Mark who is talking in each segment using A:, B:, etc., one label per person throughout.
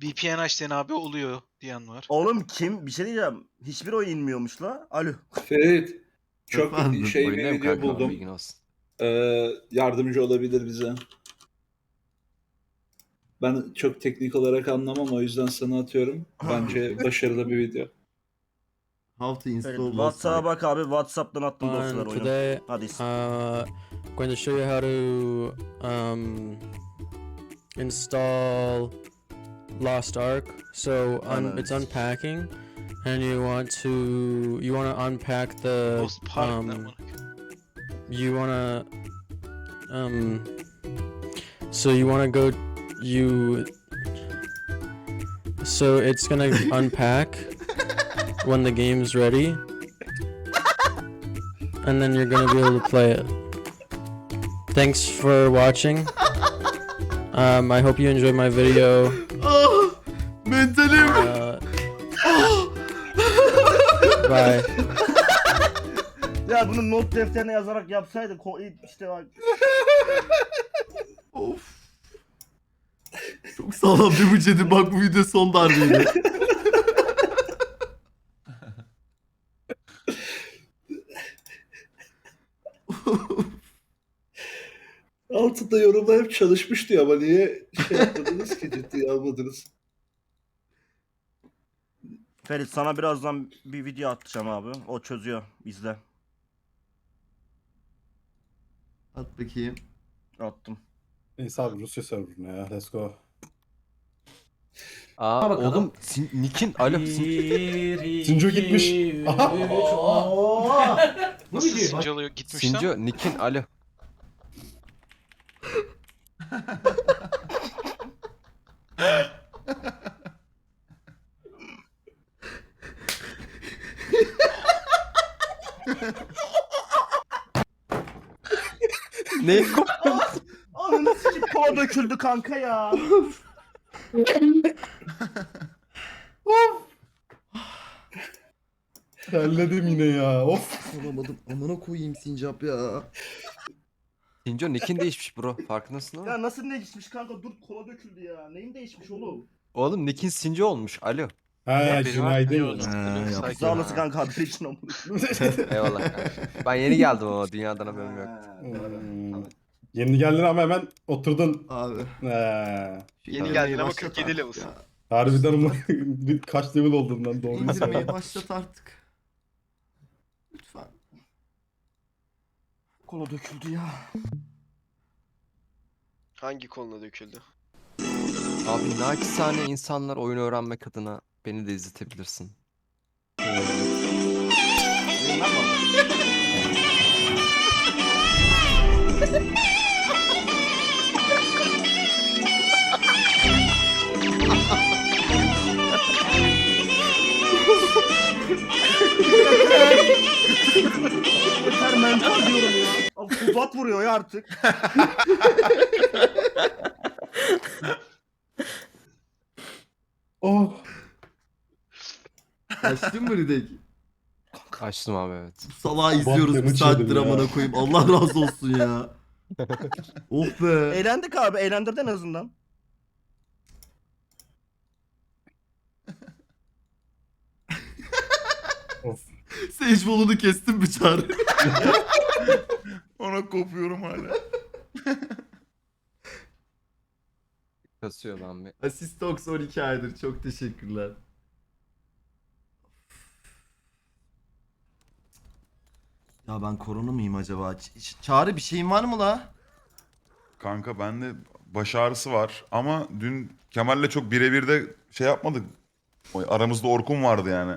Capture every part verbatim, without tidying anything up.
A: V P N açtığın abi oluyor diyen var.
B: Oğlum kim? Bir şey diyeceğim. Hiçbir oyun inmiyormuş la. Alo.
C: Ferit, çok
D: Efendim?
C: şey bir
E: Oyundayım
C: video
E: kanka,
C: buldum.
E: bilgin olsun.
C: Ee, yardımcı olabilir bize. Ben çok teknik olarak anlamam, o yüzden sana atıyorum. Bence başarılı bir video.
D: How to
B: Evet,
D: install
B: WhatsApp'a bak abi. WhatsApp'tan attım dosyalar
F: And
B: oyunu.
F: today,
B: Hadi.
F: uh, going to show you how to um, install Lost Ark. So un- it's
B: Nice.
F: unpacking, and you want to you want to unpack the
A: Post Park ne
F: um,
A: amına.
F: you want to um, so you want to go you so it's gonna unpack when the game's ready. And then you're gonna be able to play it. Thanks for watching. Um, I hope you enjoyed my video.
D: Ah! Mentalim.
F: Uh, bye.
B: Ya bunu not defterine yazarak yapsaydı ko- işte bak.
D: Of. Çok sağlam bir bıçadı. Bak bu video son darbeydi.
C: Altında yorumlar hep çalışmış diyor ama niye şey yapmadınız ki, ciddiye almadınız?
B: Ferit sana birazdan bir video atacağım abi. O çözüyor. İzle.
D: At bakayım.
B: Attım.
G: Neyse abi Rusya serverına ya. Let's go.
E: Aa oğlum Sin- Nick'in alo Sin-
G: Sinco gitmiş. Aha.
A: Nasıl Sinco oluyor gitmiş lan?
E: Sinco Nick'in alo. Ne koptu?
B: Ananı sikip kova döküldü kanka ya.
G: Terledim yine ya. Of.
D: Olamadım. Amına koyayım sincap ya.
E: Sinco Nick'in değişmiş bro, farkındasın ama.
B: Ya nasıl değişmiş kanka? Dur kola döküldü ya. Neyin değişmiş oğlum?
E: Oğlum Nick'in Sinco olmuş, alo.
G: Ha
A: Haberi var,
G: günaydın.
A: biliyoruz.
D: Ha,
A: Sakin.
D: yaptım.
B: Sağ olasın kanka haber için amına.
E: Eyvallah kanka. Ben yeni geldim ama dünyadan haberim yok.
G: Hmm. Yeni geldin ama hemen oturdun.
D: Abi.
G: Ha.
D: şu
A: Yeni
D: indirmeyi
A: geldin ama
D: başlat
A: kırk yedi
D: artık
A: level'sın.
D: ya.
G: Harbiden ama kaç level oldun lan doğru
D: İndirmeyi
G: söyle.
D: başlat artık. Lütfen.
B: Kola döküldü ya.
H: Hangi koluna döküldü?
E: Abi naçizane insanlar oyun öğrenmek adına beni de izletebilirsin.
B: Yeter mental diyorum ya. Abi uzat vuruyor ya artık.
G: Oh.
D: Açtın mı Ridek?
E: Açtım abi, evet.
D: Bu salağı izliyoruz bir
G: damage
D: saattir
G: yedim ya.
D: amına koyayım. Allah razı olsun ya. Oh be.
B: Eğlendik abi. Eğlendirdin en azından.
G: Of.
D: Sage bolunu kestim bir çare.
I: Ona kopuyorum hala.
E: Kasıyor lan bir.
D: Asistox on iki aydır. Çok teşekkürler. Ya ben korona mıyım acaba? Ç- Ç- Çağrı bir şeyin var mı la?
I: Kanka bende baş ağrısı var ama dün Kemal'le çok birebir de şey yapmadık. O aramızda Orkun vardı yani.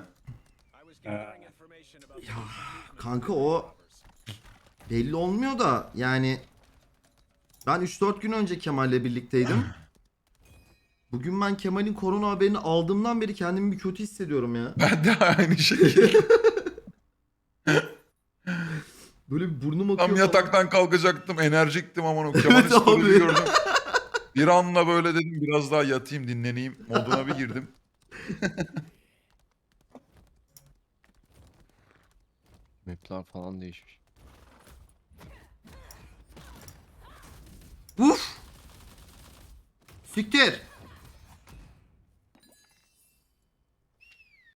D: Kanka o belli olmuyor da yani ben üç dört gün önce Kemal'le birlikteydim. Bugün ben Kemal'in korona haberini aldığımdan beri kendimi bir kötü hissediyorum ya.
I: Ben de aynı şekilde.
D: Böyle bir burnum akıyor.
I: Tam
D: falan.
I: yataktan kalkacaktım, enerjiktim ama o
D: Evet
I: Kemal'in story'ini
D: abi.
I: gördüm. Bir anla böyle dedim biraz daha yatayım, dinleneyim moduna bir girdim.
E: Map'ler falan değişmiş.
D: Uf! Siktir!